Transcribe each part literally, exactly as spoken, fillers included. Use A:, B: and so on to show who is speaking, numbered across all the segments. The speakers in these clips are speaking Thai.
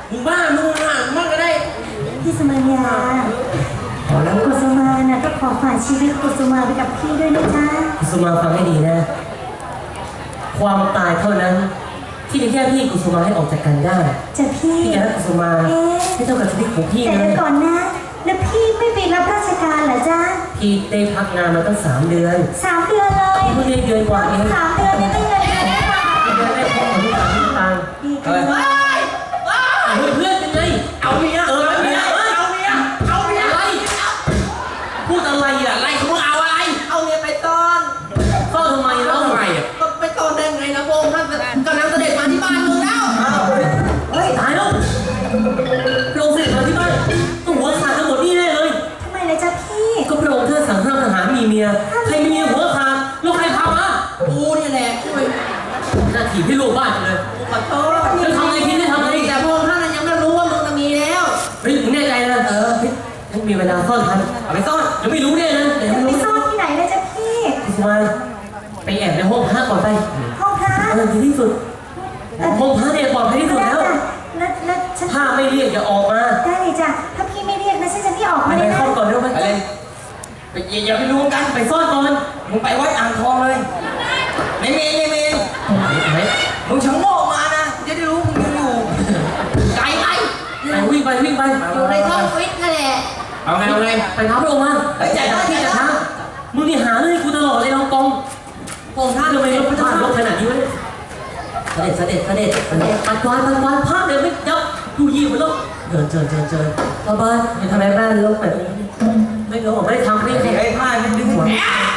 A: มึงบ้ามึงห่างมากก็ได้
B: พี่สมัญญากุสุมาน่ะก็ขอฝากชีวิตกุสุมาไปกับพี่ด้วยนะจ๊ะ
C: กุสุมาฟังให้ดีนะความตายเท่านั้นที่จะแค่พี่กุสุมาให้ออกจากกันได้
B: จะพี่
C: พี่จะรักกุสุมาไม่เท่ากับชีวิตของพี่
B: นะแต่ก่อนนะแล้วพี่ไม่ไปรับราชการเหรอจ๊ะ
C: พี่ได้พักงานมาตั้งสามเดือน
B: สามเดือนเลย
C: พี่เพิ่งได้เดือนกว่าเอง
B: สามเดือนเนี่ยไม่เงินเดือน
C: เดือนได้พบกับลูกสาวที่ตัง
B: ดีจังเลย
C: เพื่อนเป็นไง
A: เอาเมีย
C: เออเมีย
A: เอาเมียเอาเมีย
C: อะไรพูดอะไรอ่ะ
A: อะไรมึงเอาอะไรเอาเมียไปซ่อน
C: ซ่อนทำไมแล้ว
A: ทำไมอ่ะก็ไปซ่อนได้ไงนะพงท่านกำลังเสด็จมาที่บ้านมึงแล้ว
C: เฮ้ยตายแล้วพระองค์เสด็จมาที่บ้านต้องหัวขาดทั้งหมดนี่แน่เลย
B: ทำไมล่ะจ๊ะพี่
C: ก็พระองค์ท่านสั่งห้ามทหารมีเมียใครมีเมียหัวขาดลูกใครพามา
A: กูนี่แหละช่วย
C: หน้าที่พี่ลูกบ้านเลย
A: ขอโทษ
C: จะทำอะไรคิดได้ทำอะไร
A: แต่พงท่านยังไม่รู้ว่ามึงจะมีแล้ว
C: เฮ้ยมึงแน่ใจนะเออยังมีเวลาซ่อนทันเอาไปซ่อนยังไม่รู้เนี่ยนะ
B: ยังไม่รู้ไปซ่อนที่ไหนเลยจ๊ะพี่
C: กุสุมาไปแอบในห้องพระก่อนไป
B: ห้องพระ
C: เออดีที่สุดห้องพระเนี่ยปลอดภัยที่สุดแล้วถ้าไม่เรียกอย่าออกมา
B: ได้เลยจ้ะถ้าพี่ไม่เรียกนะฉันจะไม่ออกมาเลยนะ
C: ไปเข้าก่อนเร็วไป
A: เลยไปอย่าไปรู้กัน
C: ไปซ่อนก่อน
A: มึงไปวัดอ่างทองเลยในเมนในเมนมึงชังโง่มานะจะได้รู้มึงยังอยู่ไกลไป
C: ไปวิ่งไปวิ่งไป
A: อยู่ในท้องฟิตนั่นแหละเอาไงเอาไง
C: ไปท้าพระองค์มา
A: ไปใจท่า
C: ที่จะท้ามึงนี่หาเรื่องกูตลอดเลยน้องกอง
A: พระองค์ท่าน
C: ทำไมรถพระเจ้าลบขนาดนี้วะเสด็จเสด็จเสด็จเสด็จปัดกวาดปัดกวาดภาพเดี๋ยวไม่ยับดูยี่มันลบเดินเชิญเชิญเชิญพ่อบ้านอย่าทำไมบ้านลบแบบนี้ไม่เดี๋ยวผมไม่ได้ทำไม่ได้
A: ไอ้ผ้ามันดึงหัว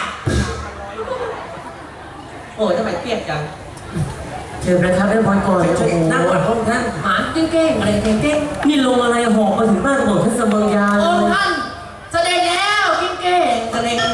A: โอ้ทำไมเปียกจัง
C: เชิญประทับได้พรก่อน
A: นั่งก่อนพระองค์ท่านหานเก้งๆอะไรเก้ง
C: ๆนี่ลงอะไรหอบมาถึงบ้านกระโดดท่านเสมอยา
A: พระองค์ท่านแสดงแล้วเก้งๆแสดง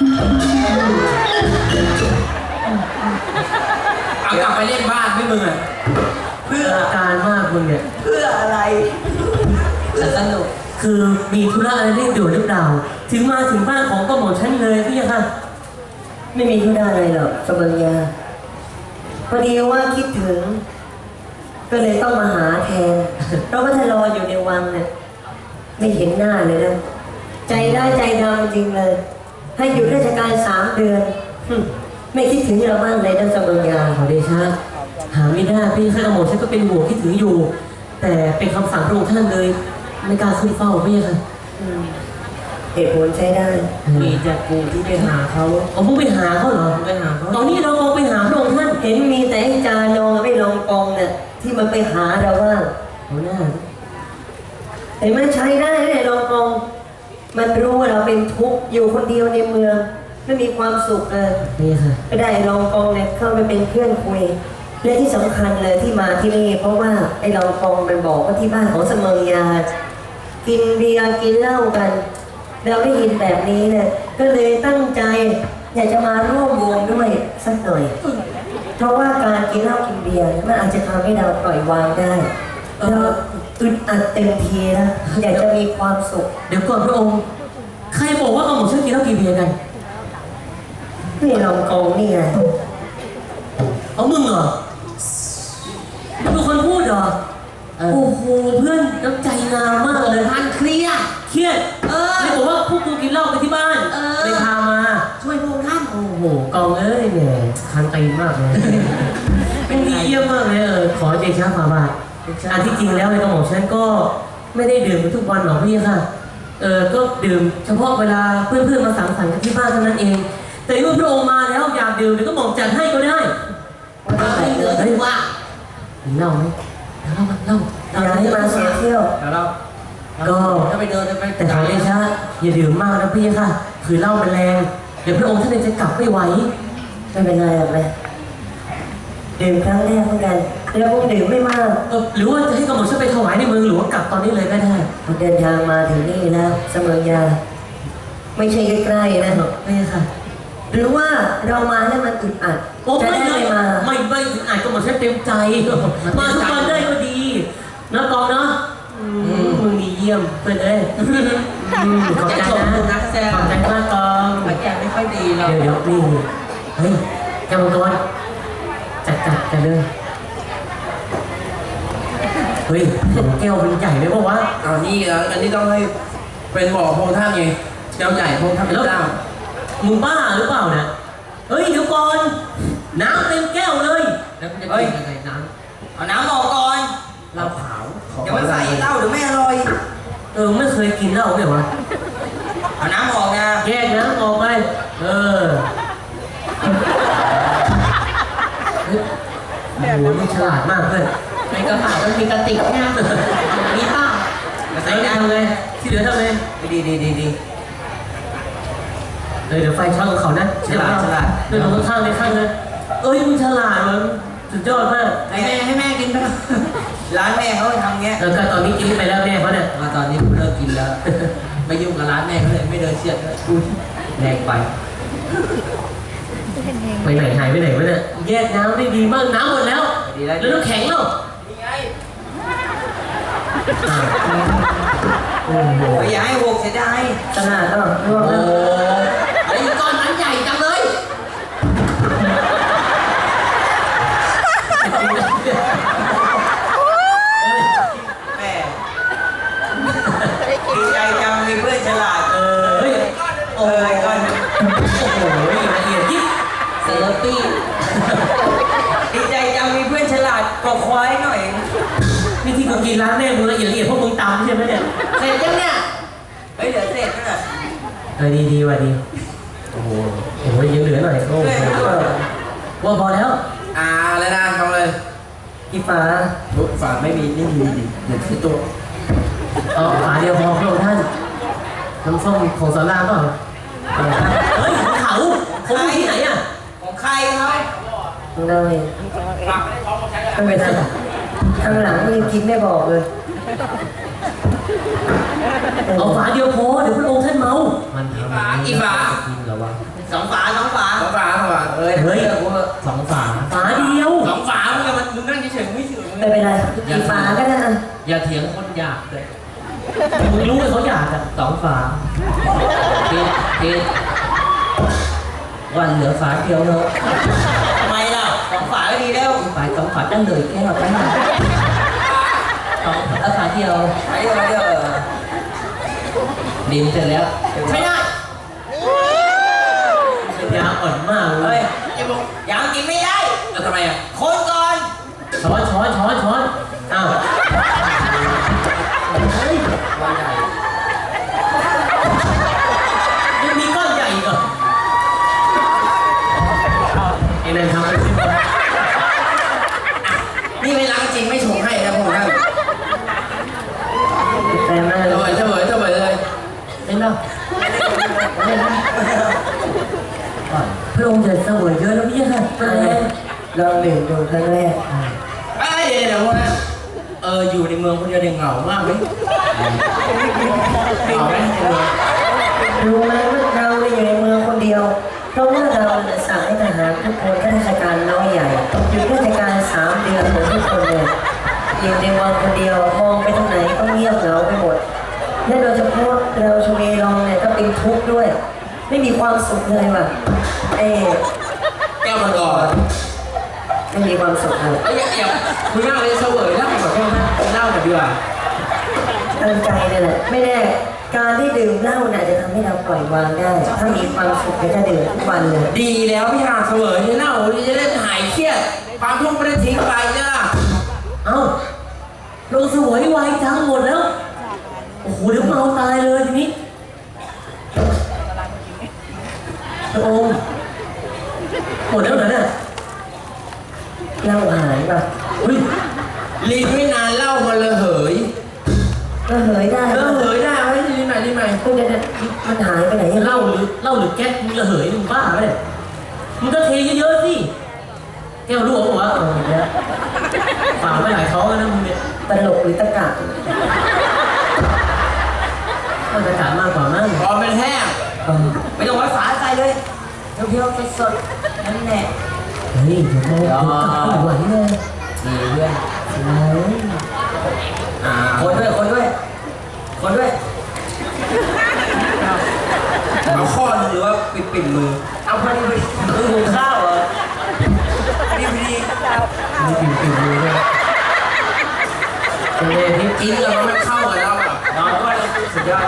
A: เอากลับไปเล่นบ้านไม่มึงอ่ะ
C: เพื่ออาการมากมึงเนี่ย
A: เพื่ออะไรสนุก
C: คือมีธุระอะไรเร่งด่วนหรือเปล่าถึงมาถึงบ้านของกระหม่อมฉันเลยพี่ค่ะ
D: ไม่มีธุระอะไรหรอกสมัญญาพอดีว่าคิดถึงก็เลยต้องมาหาแทนเพราะว่าถ้ารออยู่ในวังเนี่ยไม่เห็นหน้าเลยนะใจได้ใจดำจริงเลยให้อยู่ราชการสามเดือนไม่คิดถึงเราบ้างเลยนะสมัญญา
C: ขอเดชะหาไม่ได้พี่ข้ากระหม่อมฉันก็เป็นห่วงคิดถึงอยู่แต่เป็นคำสั่งพระองค์ท่านเลยไม่กล้าขึ้นเฝ้าพี่ค่ะ
D: เหตุผลใช้ได้
A: มีจากกูที่ไปหาเขา
C: เอาพวกไปหาเขาเหรอ
A: ไปหาเขา
C: ตอนนี้เราลองไปหาพระองค์ท่าน
D: เห็นมีแต่จานองไม่ลองกองเนี่ยที่มันไปหาเราว่า
C: เอาหน้า
D: แต่มันใช้ได้เลยลองกองมันรู้ว่าเราเป็นทุกข์อยู่คนเดียวในเมืองไม่มีความสุขเลย
C: นี่ค่ะ
D: ก็ได้ลองกองเนี่ยเข้าไปเป็นเพื่อนคุยและที่สำคัญเลยที่มาที่นี่เพราะว่าไอ้ลองกองมันบอกว่าที่บ้านของเสมอยากินเบียร์กินเหล้ากันเราได้ยินแบบนี้เนี่ยก็เลยตั้งใจอยากจะมาร่วมวงด้วยสักหน่อยเพราะว่าการกินเหล้ากินเบียร์มันอาจจะทำให้เราปล่อยวางได้เราอึดอัดเต็มทีนะอยากจะมีความสุข
C: เดี๋ยวก่อนพระองค์ใครบอกว่าเอาหมดชื่อกินเหล้ากินเบียร์กัน
D: นี่ลองกองนี่ไง
C: เอามึงเหรอมึงเป็นคนพูดเหรอโอ้โหเพื่อนน้ำใจงามมากเลย
A: ท่านเครียด
C: เครียด
A: เออ
C: ไม่บอกว่าพวกกูกินเหล้ากันที่บ้านเลยพามา
A: ช่วยพวกท่าน
C: โอ้โหกองเอ้ยเนี่ยคันตีมากเลยเป็นดีเยี่ยมมากเลยเออขอเดชะฝ่าบาทอันที่จริงแล้วในกระหม่อมฉันก็ไม่ได้ดื่มทุกวันหรอกพี่ค่ะเออก็ดื่มเฉพาะเวลาเพื่อนๆมาสังสรรค์กันที่บ้านเท่านั้นเองแต่เมื่อพระองค์มาแล้วอยากดื่มเดี๋ยวก็หม่อมจัดให้ก็ได้
A: ว่าได้เหลือที่ว่า
C: เล่าไหมเล่าเล่า
D: อยากให้มาเสียเที่ยว
A: เรา
C: ก็
A: ถ้าไปเดินไป
C: แต่ขอเดชะอย่าดื่มมากนะพี่ค่ะคือเหล้ามันแรงเดี๋ยวพระองค์ท่านจะกลับไม่ไหว
D: ไม่เป็นไรหรอกเลยดื่มครั้งแรกเหมือนกันแล้วพวกดื่มไม่มาก
C: หรือว่าจะให้กระหม่อมฉันไปถวายในเมืองหลวงกลับตอนนี้เลยก็ได้
D: เดินทางมาถึงนี่แล้วเสมอยาไม่ใช่ใกล้ๆนะ
C: ไม่ค่ะ
D: หรือว่าเรามาแล้วมันอึดอัด
C: จะได้ไม่มาไม่ไม่อึดอัดก็หมดฉันเต็มใจมาทุกวันได้ก็ดีนะกองเนาะมึงดีเยี่ยมเพื่อนเอ้ยขอบใจนะขอบใจมากกอง
A: แกไม่ค่อยดีเรา
C: เดี๋ยวเดี๋ยวนี่เฮ้ยแกมังกรจัดจัดกันเลยเฮ้ยแก้วมันใหญ่ไหมปะวะ
A: เอานี่อ่ะอันนี้ต้องให้เป็นบ่อพงท่าไงแก้วใหญ่พงท่าเป็นเจ้า
C: มึงบ้าหรือเปล่าเนี่ยเฮ้ยเดี๋ยวก่อนน้ำเต็มแก้วเลยแล้วจะกินยังไงน้ำ
A: เอาน้ำออกก่อน
C: เหล้าขาว
A: อย่ามาใส่เหล้าเดี๋ยวไม่อร่อย
C: เออไม่เคยกินเหล้าเลยวะ
A: เอาน้ำออกนะ
C: แยกน้ำออกไปเออเฮ้ยโอ้โหนี่ฉลาดมากเพื่อน
D: ในกระเป๋ามันมีกระติกเนี่ยมีป้า
C: แล้วทำไงที่เหลือทำไง
A: ดีดีดีดี
C: เออเดี๋ยวไฟช็อตของเขานะเดินลงข้างๆในข้างเลยเอ้ยมึงฉลาดมันสุดยอดมาก
A: ให้แม่ให้แม่กินไปร้านแม่เขาทำเงี้ย
C: แล้วก็ตอนนี้กินไปแล้วแม่เขาเนี่ย
A: มาตอนนี้เลิกกินแล้ว ไม่ยุ่งกับร้านแม่เขาเลยไม่เดินเชียดเลยแรงไป
C: ไปไหนหายไปไหนวะเนี่ยแยกน้ำได้ดีมากน้ำหมดแล้วแล้วน้ำแข็งแล้วโอ้โห
A: อย่าให้หกเสียดาย
D: ขนาดก็ร่วง
A: โอ้
D: แล้ว
A: แล้วอีกก้อนนั้นใหญ่จังเลยแม่ดีใจจังมีเพื่อนฉลาด
C: เออเฮ้ย
A: โอ้ยก้อน
C: โอ้โหละเอียดยิบ
A: เซอร์ปี้ดีใจจังมีเพื่อนฉลาดกว่าควายหน่อย
C: นี่ที่กูกินร้านแม่มึงละเอียดละเอียดเพราะมึงตำใช่ไหมเนี่ย
A: เสร็จยังเนี่ยเฮ้ยเดี๋ยวเสร็จแล้ว
C: เออดีดีว่ะดีโอ้โหโอ้โหยังเหลือหน่อยโอ้โหว่าพอแล้ว
A: อ่าเลยนะทำเลย
D: พี่ฟ้า
A: ฝาไม่มีนี่มีดิเดี๋ยวที่ตัว
C: เอาฝาเดียวพอพระองค์ท่านน้ำส้มของสาราเปล่าเฮ้ยของเขาเขาอยู่ที่ไหนอ่ะ
A: ของใครเขา
D: เลยไม่เป็นไรข้างหลังก็ยังกินไม่บอกเลย
C: เอาฝาเดียวพอเดี๋ยวพระองค์ท่านเมามัน
A: ฝากี่ฝา
C: กินเหรอวะ
A: สองฝาสองฝาสองฝาสองฝาเอ้ย
C: เฮ้ยสองฝาฝาเดียว
A: สองฝามึงมันมึงนั่งเฉยๆไม่ถึง
D: ไม่เป็นไรกี่ฟ้าก็ได้อ่ะ
C: อย่าเถียงคนอยากเลยมึงรู้ว่าเขาอยากอ่ะสองฝาเกดเกดวันเหลือฝาเดียวเนอะ
A: ทำไมล่ะสองฝาก็ดีแล้ว
C: ฝาสองฝาตั้งเลยแก้วไปหน่อยสองเอาฝาเดียว
A: ไอ้เดี๋ยวเดี๋ยว
C: ดินเสร็จแล้ว
A: ไม่ได้
C: ยาอ่อนมากเล
A: เฮ้
C: ย
A: ยยังกินไม่ได้
C: แล้วทำไมอ่ะ
A: คนก่อน
C: ช้อนช้อนช้อนช้อนอ้าวเฮ้ย
A: ว่าใหญ่
C: ยังมีก้อนใหญ่อีกเหรอไอ้นั่นทำไปสิบคน
A: นี่ไม่ล้างจริงไม่ชงให้นะพวกท่าน
D: แต่มา
A: เฉยเฉยเฉยเลย
C: เป็นเนาะพระองค์จะเสวยเยอะแล้วพี่ค่ะ
D: ลองดื่มดูครั้งแรก
A: ไอ้เดี๋ยวเดี๋ยวพวกนั้นเอออยู่ในเมืองคนเดียวเด็กเหงามากไหมเหงาไหม
D: รู้ไหมว่าเราเนี่ยอยู่ในเมืองคนเดียวเพราะว่าเราเนี่ยสั่งให้ทหารทุกคนข้าราชการน้อยใหญ่หยุดราชการสามเดือนหมดทุกคนเลยอยู่ในเมืองคนเดียวมองไปทางไหนก็เงียบเหงาไปหมดและโดยเฉพาะเราชเวลองเนี่ยก็เป็นทุกข์ด้วย ไม่มีความสุขเลยว่ะเอ๊ะ
A: แก้วมังกร
D: ไม่มีความสุขเลย
A: ไอ้เดี๋ยวคุณนั่งเลยเสวยเล่าแบบพวกนั้นเล่าแบบดีกว่า
D: ตั้งใจเลยแหละไม่แน่การที่ดื่มเหล้าเนี่ยจะทำให้เราปล่อยวางได้ ถ้ามีความสุขก็จะดื่มทุกวันเลย
A: ดีแล้วพี่หาเสวยเนี่ยเล่าจะได้หายเครียดความทุกข์ไม่ได้ทิ้งไปเนี่ย
C: เอ้าลงเสวยไวจังหมดแล้วโอ้โหเดี๋ยวเมาตายเลยทีนี้พระองค์หมดแล้วเหรอเนี่ย
D: เหล้าหายป่ะ
C: เฮ้ย
A: ลิ้นไม่นานเล่ามาเลยเหย
D: ก็เหยได้
A: เออเหยได้ไหมลิ้นใหม่ลิ้นใหม่
D: คุณจะมันหายไปไหน
C: เหล้าหรือเหล้าหรือแก๊สมึงระเหยมึงบ้าไปะเนี่ยมึงก็เทเยอะๆสิแก้วรั่วหัวเออเนี่ยฝ่าไม่หลายท้องแล้วนะมึงเนี่ย
D: ตลกหรือตะกะ
C: มันจะขาดมากกว่ามั้ง
A: พอเป็นแห้ง
D: เออ
A: ไม่ต้องไว้ฝาใส่เลยเพียวๆสดๆนั่นแหละ
C: เฮ้ยเดี๋ยวโมเดี๋ยวกลับไม่ไหวเลย
A: ดีเพื่อน
C: สวย
A: อ่าคนด้วยคนด้วยคนด้วยเอาข้อหนึงหรือว่าปิดปิดมือเอาพอดีมือหุงข้าวเหรอพอดีพอดี
C: มีปิ่นปิ่นมือด้วยเป็นไงพี่
A: กินแล้วมันเข้ากับเราอ่ะ
C: นอนก็สุดยอด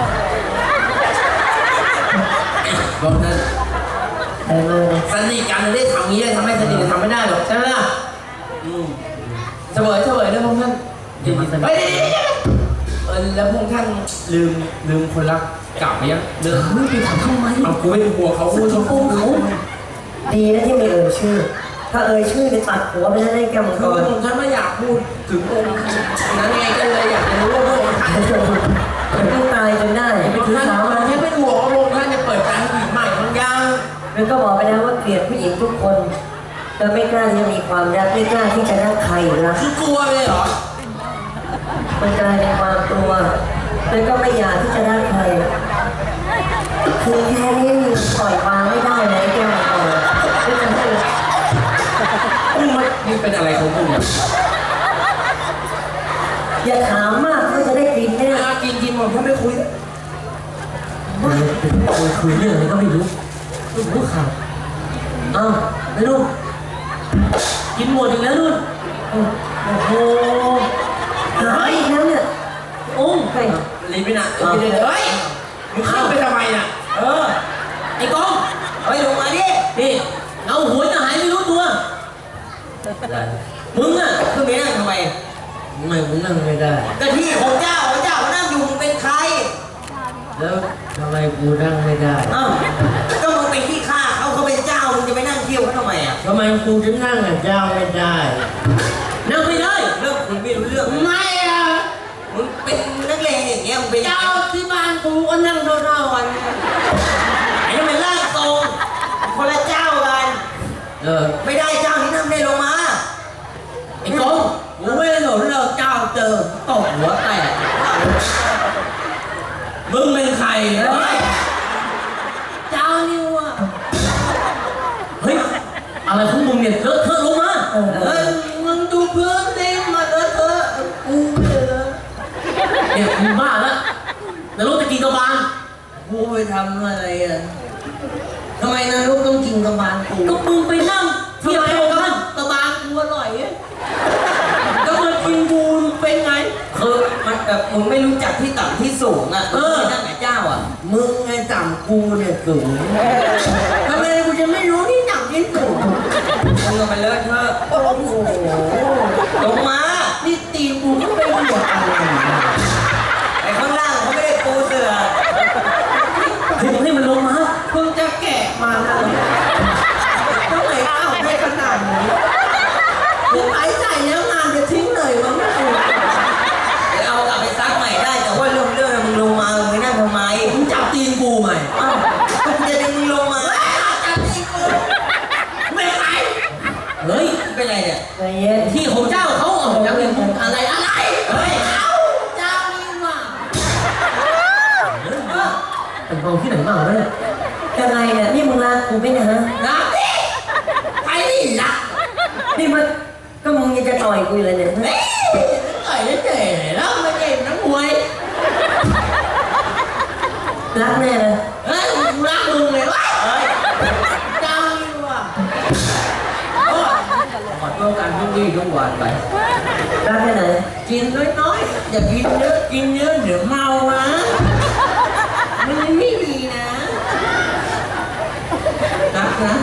A: บอกนั้น
D: ไปมาเลย
A: สนิทกันได้ทำงี้ได้ทำให้สนิททำไม่ได้หรอกใช่ไหมล่ะอืมเสวยเสวยแล้วพวกท่าน
C: ยินดีสนิท
A: เฮ้ยเออแล้วพวกท่านลืมลืมคนรักเก่าไปยังเลิก
C: ไม่ไปถามทำไม
A: เอากูไม่กลัวเขากูชอบ
C: โอ้เขา
D: ดีนะที่ไม่เอ่ยชื่อ ถ้าเอ่ยชื่อจะตัดหัวไปแล้วได้แก้วมังก
A: คือ
D: ร
A: พวกท่านไม่อยากพูดถึงองค์นั้นไงก็เลยอยากจะรู้ว่าพวกท่าน
D: มันต้องตายจนได้
A: พวกท่านแค่เป็นห่วงว่าพวกท่านจะเปิดใจให้ผู้หญิงใหม่บางอย่าง
D: มันก็บอกไปแล้วว่าเกลียดผู้หญิงทุกคนแต่ไม่กล้าที่จะมีความรักไม่กล้าที่จะรักใครรัก
A: คือกลัวเลยเหรอ
D: มันกลายเป็นความกลัวแล้วก็ไม่อยากที่จะรักใครคือแค่นี้มีปล่อยวางไม่ได้เลยแก้วมังกรไม่จะให้
A: นี่มันนี่เป็นอะไรของมึงเนี่ย
D: อย่าถามมากก็จะได้กินแน่
A: อ่ะกินกินหมดถ้าไม่คุย
C: คุยคุยเรื่องอะไรก็ไม่รู้ไม่รู้ข่าวอ้าวไอ้นุ่นกินหมดอีกแล้วนุ่นโอ้โห
D: หายอีกแล้วเนี่ย
C: โอ้ไป
A: รีบไปนะเดี๋ยวเฮ้ยมึงขึ้นไปทำไมน่ะ
C: เออไอ้กอง
A: เฮ้ยลงมาดิ
C: นี่เอาหัวจะหายไม่รู้ตัวมึงอ่ะ
A: ขึ้นไปนั่งทำไม
C: ไม่ผมนั่งไม่ได้
A: ก็ที่ของเจ้าของเจ้านั่งอยู่มึงเป็นใคร
C: แล้วทำไมกูนั่งไม่ได้
A: อ้าวก็มึงเป็นที่ข้าเขาเขาเป็นเจ้ามึงจะไปนั่งเที่ยวเขาทำไมอ่ะ
C: ทำไมกูถึงนั่งกับเจ้าไม่ได้ นั่งไม่ได้
A: เรื่องคุณไม่รู้เรื่อง
C: ไม่อ่ะ
A: มึงเป็นนักเลงอย่างเงี้ยมึงเป็น
C: เจ้าที่บ้านกูก็นั่งเท่าๆกัน
A: ไอ้นี่มันร่างทรงคนละเจ้ากัน
C: เออ
A: ไม่ได้เจ้านี้นั่งได้ลงมา
C: ไอ้กงกูไม่ได้หลงเราเจ้าเจอตกหัวแตกมึงเป็นใคร
A: เฮ้ย
C: เจ้านี่วะเฮ้ยอะไรของมึงเนี่ยเถอะเถอะลงมา
D: เออ
A: เฮ้ยมึงดูเพื่อนดิมาเถอะเถอะกูเลยนะ
C: เนี่ยมึงบ้าแล้วนรกจะกินกระบาล
A: กูไปทำอะไรอ่ะทำไมนรกต้องกินกระบาลกู
C: ก็มึงไปนั่งเทียบพระองค์ท่าน
A: กระบาลกูอร่อยอ่ะ
C: ก็มันกินบูนเป็นไง
A: คือมันแบบมึงไม่รู้จักที่ต่ำที่สูงอ่ะ
C: เออ
A: มึงไปนั่งกับเจ้าอ่ะมึงไงต่ำกูเนี่ยสูงทำไมกูจะไม่รู้ที่ต่ำที่สูงมึงก็ไปเลิกเถอะโอ้โหลงมานี่ตีกูก็ไปหัวอะไรไอ้ข้างล่างเขาไม่ได้ปูเสือ
C: ให้ให้มันลงมา
A: เพิ่งจะแกะมาทำไมเอาได้ขนาดนี้มึงไอ้ใจแล้วงานจะทิ้งเลยมั้งไม่ถูกเดี๋ยวเอากลับไปซักใหม่ได้แต่ว่าเรื่องเรื่องมึงลงมามึงไปนั่งทำไม
C: มึงจับตีนกูใหม่
A: อ้าวก็กูจะดึงมึงลงมาจับที่กูไม่ไหว
C: เฮ้ย
A: เป็นไรเนี่ย
D: ใจเย็น
C: ที่ของเจ้าเขาออกจากเรื่องอะไรอะไร
A: เฮ้ยเอาเจ้านี่ว่ะ
C: เป็นกองที่ไหนบ้างวะเนี่ย
D: ยังไงเนี่ยนี่มึงรักกูไหมเนะฮะ
A: รักดิไปดิรัก
D: นี่มันก็มึงยังจะต่อยกูอยู่เลยเนี่ย
A: เฮ้ยต่อยได้เจ๋แล้วมาเก่งนักมวย
D: รักแน่เลย
A: เฮ้ยกูรักมึงเลยวะเฮ้ยเจ้านี่ว่ะโอ้ยขอโทษกันทุกวี่ทุกวันไป
D: รักแค่ไหน
A: กินน้อยๆอย่ากินเยอะกินเยอะเดี๋ยวเมานะมันไม่ดีนะรักนะ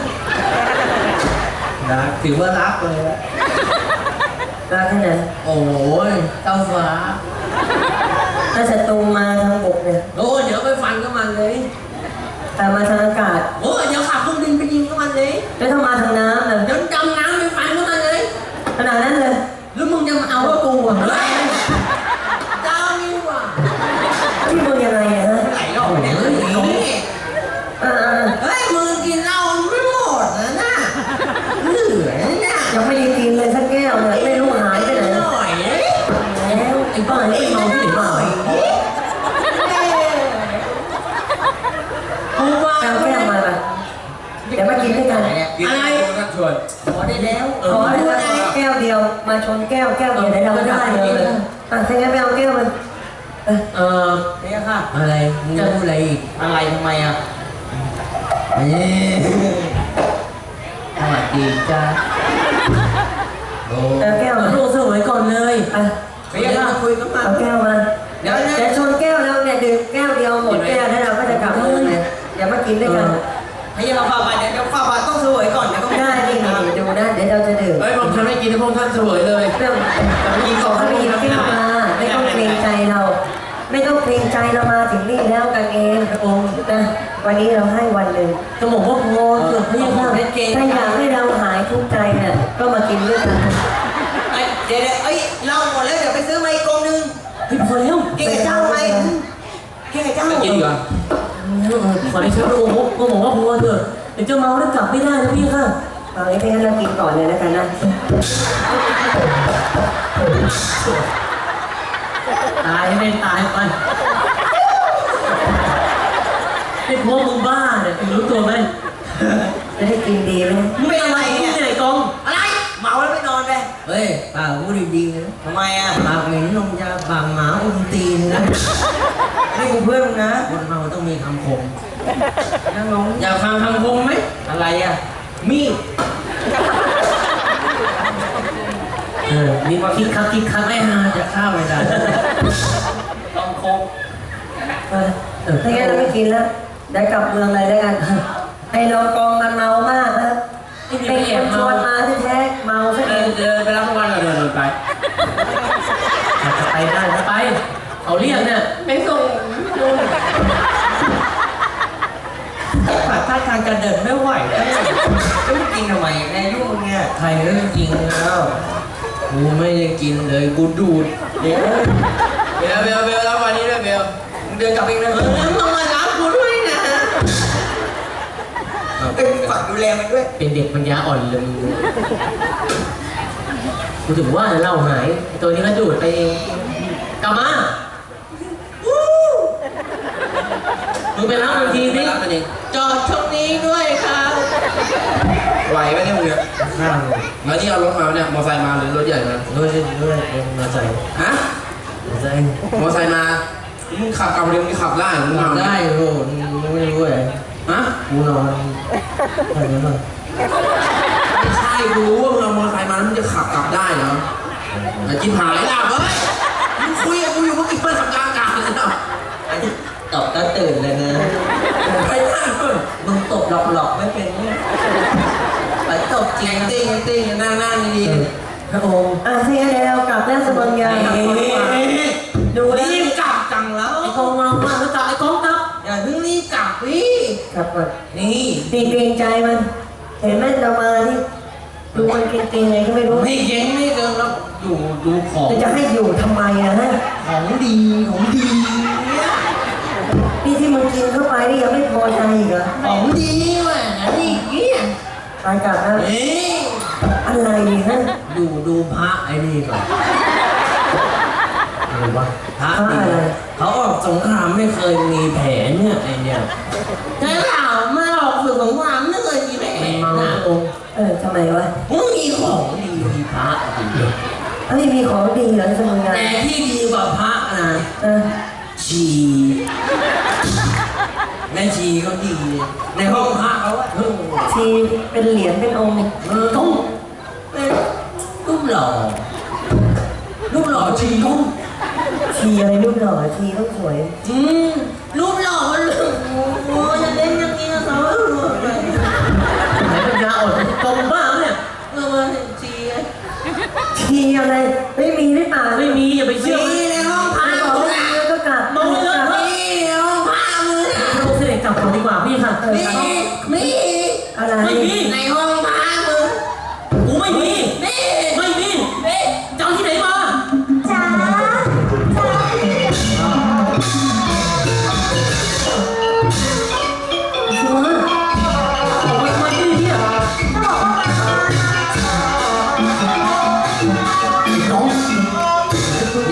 A: รักถือว่ารักเลยละ
D: รักแค่ไหน
A: โอ้ยเจ้าฟ้า
D: ถ้าศัตรูมาทางบกเนี่ย
A: โอ้ยเดี๋ยวไปฟันกับมันเลย
D: แต่มาทางอากาศ
A: โอ้ยเดี๋ยวขับเครื่องบินไปยิงกับมันเลย
D: แล้วถ้ามาทางน้ำน่ะ
A: เดี๋ยวจำน้ำไปฟันกับมันเลย
D: ขนาดนั้นเลย
A: หรือมึงจะมาเอาว่ากูอ่ะเฮ้ยเจ้านี่ว่ะ
D: ที่มึงยังไงเนี่ยฮะ
A: ไหลหรอกเนี่ยเฮ้ย
D: อ่า
A: เฮ้ยมึงกินเหล้าไม่หมดนะน่ะเหลือเนี่ย
D: ๆยังไม่ได้กินเลยสักแก้วเนี่ยไม่รู้หายไปไหน
A: ห
D: แล้ว
A: น่อย
C: ไอ้บ้าไอ้เมาที่ไหนบ้าง
A: กูว่า
D: เอาแก้วมาป่ะเดี๋ยวมากินด้วยกัน
A: อะไรกันชวนขอได้แล้ว
D: ขอให้ว่าแก้วเดียวมาชนแก้วแก้วเดียวได้เราก็ได้เลยอ่ะถ้างั้นไปเอาแก้วมัน
C: เออ
A: เนี่ยค่ะ
C: อะไรมึงจะพูดอะไรอีก
A: อะไรทำไมอ่ะนี่สวัสดีจ้าโอ้
D: เอาแก้ว
C: เอา
D: มา
C: โลกเสวยก่อนเลย
D: อ่ะ
A: ไปยังคุยกันมา
D: เอาแก้วมา
A: เดี๋ยวนะ
D: แต่ชนแก้วแล้วเนี่ยดื่มแก้วเดียวหมดแก้วแล้วเราก็จะกลับเลยเนี่ยเดี๋ยวมากินด้วยกัน
A: ให้ยังเราฝ่าบาทเดี๋ยวฝ่าบาทต้องเสวยก่อนเดี๋ยวก็ไม่
D: ได้
A: ได้
D: ดิ
A: ดิ
D: ดูนะเดี๋ยวเราจะดื่ม
E: เฮ้ยผมทำให้กินให้พวกท่านเสวยเลย
D: เรื่อง
A: แต่ไม่กิน
D: ข
A: ก่
D: อ
A: อน
D: เขาไปหยิบแก้วมาไม่ต้องเกรงใจเรา ไม่ต้องเกรงใจเรามาถึงนี่แล้วกันเองพระองค์นะวันนี้เราให้วันหนึ่ง
C: กระหม่อมว่าพอเถอะพี่ค่ะ
D: ถ้าอยากให้เราหายทุกข์ใจเนี่ยก็มากินด้วยกัน
A: เอ้ยเดี๋ยวเดี๋ยวเอ้ยเราหมดแล้วเดี๋ยวไปซื้อมาอีกกองนึง
C: พี่พอแล้ว
A: กินกับเจ้าไหมกินกับเจ้า
E: กินดีกว่า
C: ขอได้ใช้พระองค์ก็บอกว่าพอเถอะเดี๋ยวเจ้าเมาแล้วกลับไม่ได้นะพี่ค่ะ
D: ตอนนี้พี่ให้เรากินก่อนเลยแล้วกันนะ
C: ตายให้เป็นตายไปไอ้พวกมึงบ้าเนี่ยมึงรู้ตัวไหม
D: จะได้กินดีไหม
C: มึงเป็นอะไรเนี่ยไอ้กอง
A: อะไรเมาแล้วไม่นอนไป
F: เฮ้ยป่าพูดดีๆนะ
A: ทำไมอ่ะ
F: ปากเหม็นนมยาปากหมาอุ้มตีนนะ
A: นี่กูเพื่อนมึงนะ
F: คนเมาต้องมีคำคม
A: นั่งลง
E: อยากฟังคำคมไหม
A: อะไรอ่ะมีด
C: เออนี่คิดคักคิดคัก
F: ไม่หาจะฆ่าไม่ได้
A: ต้องคง
D: เออถ้างั้นเราไม่กินแล้วเดี๋ยวกลับเมืองเลยแล้วกันไอ้รองกองมันเมามากนะเป็นคนชวนมาที่แท้ๆเมาซะ
E: เอ
D: เอ
E: อง เดินไปรับรางวัลก่อนเดินเดินไป
C: จะไปได้จะไปเขาเรียกเนี่ย
A: ไม่ส่งขาดท่าทางจะเดินไม่ไหวแล้วจะไม่กินทำไมแม่ยุ่งเนี่ย
F: ใครเรื่องจริงแล้วกูไม่ได้กินเลยกูดูด
A: เดี๋ยว
E: เบลเบลเบลรับวันนี้ด้วยเบล
A: มึงเดินกลับเองนะเออมึงมารับกูด้วยนะเอ้ยฝากดูแลมันด้วย
C: เป็นเด็กปัญญาอ่อนเลยมึงกูถึงว่าเล่าหายไอ้ตัวนี้ก็ดูดไปเองกลับมามึงไปรับมันที
E: ไป
C: สิ
E: รับมันเอง
A: จอดช่วงนี้ด้วยครับ
E: ไหวไหมเนี่ยมึงเนี่ย
F: ข้าง
E: แล้วนี่เอารถมาเนี่ยมอไซค์มาหรือรถใหญ่มา
F: ด้วยด้วยเองมาใส่
E: ฮะ
F: มาใส่
E: มอไซค์มามึงขับกลับเร็วมึงขับได้เหรอมึง
F: ทำ
E: ทำ
F: ได้โหไม่รู้เลย
E: ฮะ
F: กูนอนอะไรนั่น
E: ไม่ใช่กูรู้ว่ามึงเอามอไซค์มาแล้วมึงจะขับกลับได้เหรอแต่จิ้มหายหลับเว้ยมึงคุยกับกูอยู่เมื่อกี้เปิดสัญญาณกลางเลยนะ
F: ตบก็ตื่นเลยนะ
E: ไปได้เพิ่น
F: มึงตบหลอกๆไม่เป็นเนี่ยไปตบจริ
E: แอง ง
F: นะ
E: ติ้งแองติ้งนั่งนั่งดี
F: พระองค์
D: อ่ะถ้างั้นเดี๋ยวเรากลับแล้วสมังยา
E: ๆ
D: ดูนะ
E: รีบกลับจังแล้ว
C: ไอ้กองมามากแล้วจับไอ้กองกลับ
E: อย่าเพิ่งรีบกลับพี่
D: กลับก่อน
E: นี่
D: ตีเกรงใจมัน เห็นไหมเรามาที่ดูมันเกรงๆไงก็ไม่รู้
E: ไม่เก่งไม่เกินแล้วดูดูของ
D: จะให้อยู่ทำไมอะฮะ
E: ของดีของดีเนี่ย
D: นี่ที่มึงกินเข้าไปนี่ยังไม่พอใจอีกเหรอ
E: ของดีว่ะนี่เกี้ย
D: ไปกลับแล้ว
E: เอ๊ะ
D: อะไรฮะ
F: ดูดูพระไอ้นี่ก่อน
C: อะไรวะ
F: พระดีเขาออกสงครามไม่เคยมีแผลเนี่ยไอ้เนี่ย
E: ใช่เปล่าไม่ออกฝึกสงครามไม่เคยมีแผล
F: มันเมา
E: นะ
F: พระองค์
D: เออทำไมวะ
E: มึงมีของ
F: ดีมีพระดี
D: เอ้ยมีของดีเหรอสมังยา
F: แต่ที่ดีกว่าพระนะ
D: เออ
F: ชีแม่ชีเขาดีในห้องพระเขาอะเออ
D: ชีเป็นเหรียญเป็นองค์
F: เออต้องเป็นรูปหล่อรูปหล่อชีต้อง
D: ชีอะไรรูปหล่อชีต้องสวย
F: อืมรูปหล่อมันโอ้ยจะเล่นอย่างนี้กับเขาเออ
C: ไหนปัญญาอ่อนกองบ้าเนี่ย
F: เออชีไง
D: ชีอะไรไม่มีหรือเปล่า
C: ไม่มีอย่าไปเชื่อ
E: มีในห้องพั
D: ไม่
E: ก
D: บอก
E: กู
D: ไม่
E: นะ
D: มีก็กลับ
C: มองเลย
E: มีในห้องพักมึงนะ
C: พระองค์เสด็จกลับก่อนดีกว่าพี่ค่ะ
E: มีมี
D: อะไร
C: ไม่มี
E: ในห้องพักมึง
C: กูไม่มี
E: มี
C: ไม่มีจะเอาที่ไหนมา
B: จ๋าจ๋า
C: ชัวร์ออกไปทำไมที่นี่เนี่ย
B: ก็บอกว่ามา
C: น้อง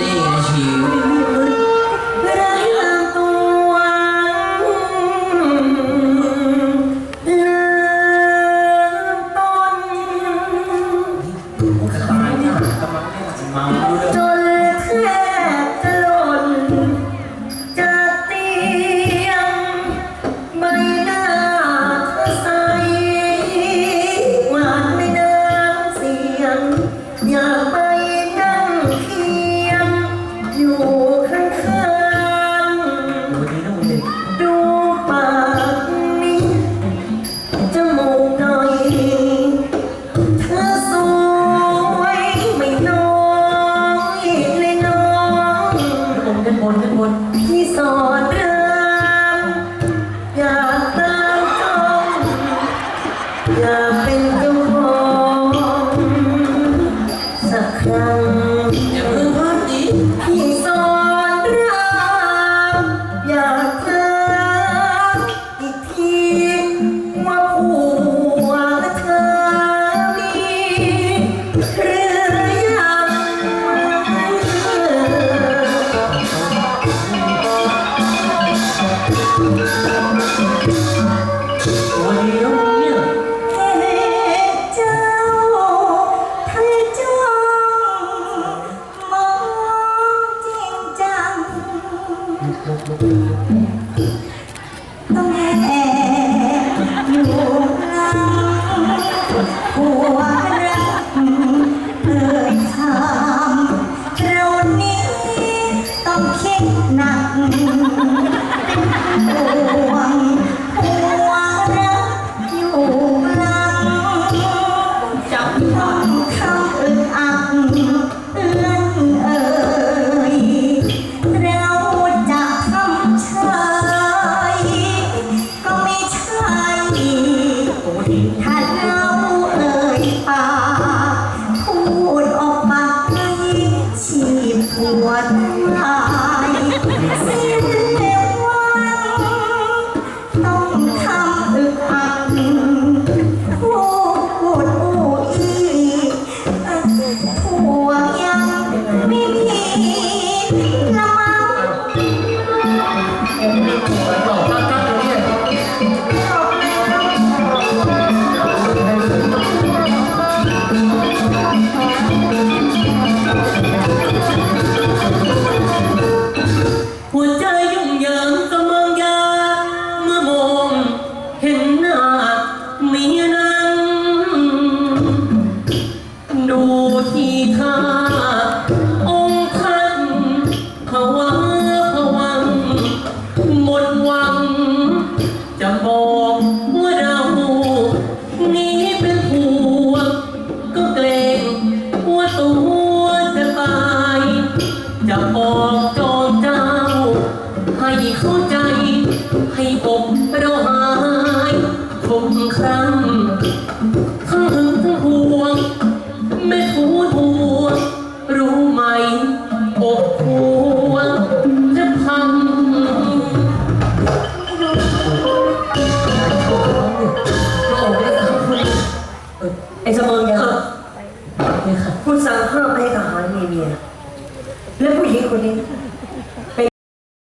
C: นด้านบน
D: พี่สอนรามอยากตามจ้องอยากเป็นเจ้าของสักครั้ง
F: อย่าเพิ่งพลาดดิ
D: พี่สอนรามอยากถามอีกทีว่าผัวเธอมีหรือยัง
C: วันนี้แล้วเนี่ย
B: เฮ้เจ้าเธอจ้องมองจริงจังต้องแอบอยู่หลังหัวรักเอ่ยถามเรานี้ต้องคิดหนักห่วงหัวรักอยู่หลังจับต้องคำอึดอัดเอื้อนเอ่ยเราจะทำเฉยก็ไม่ใช่ถ้าเราเอ่ยปากพูดออกมาให้ชีพปวดหายสิ้นวันต้องทำอึดอัดพูดอู้อีผัวยังไม่มีละมั้ง
C: บอกตั้งตั้งเลยเนี่ยหัวใจยุ่งเหยิงเสมอยาเมื่อมองเห็นหน้าเมียนั้นดูที่ท่าองค์ท่านภาวะผวังหมดหวัง จะบอกว่าเรานี้เป็นผัวก็เกรงว่าตัวจะตาย จะบอกจอมเจ้า ให้เข้าใจ ให้อกเราหายทุกครั้งทั้งหึงทั้งห่วงไม่ทูลหัวรู้ไหมอกหัวจะพัง
D: ไอ้เสมอยา
C: เนี่ยค่ะ
D: คุณสั่งห้ามไม่ให้ทหารมีเมีย และผู้หญิงคนนี้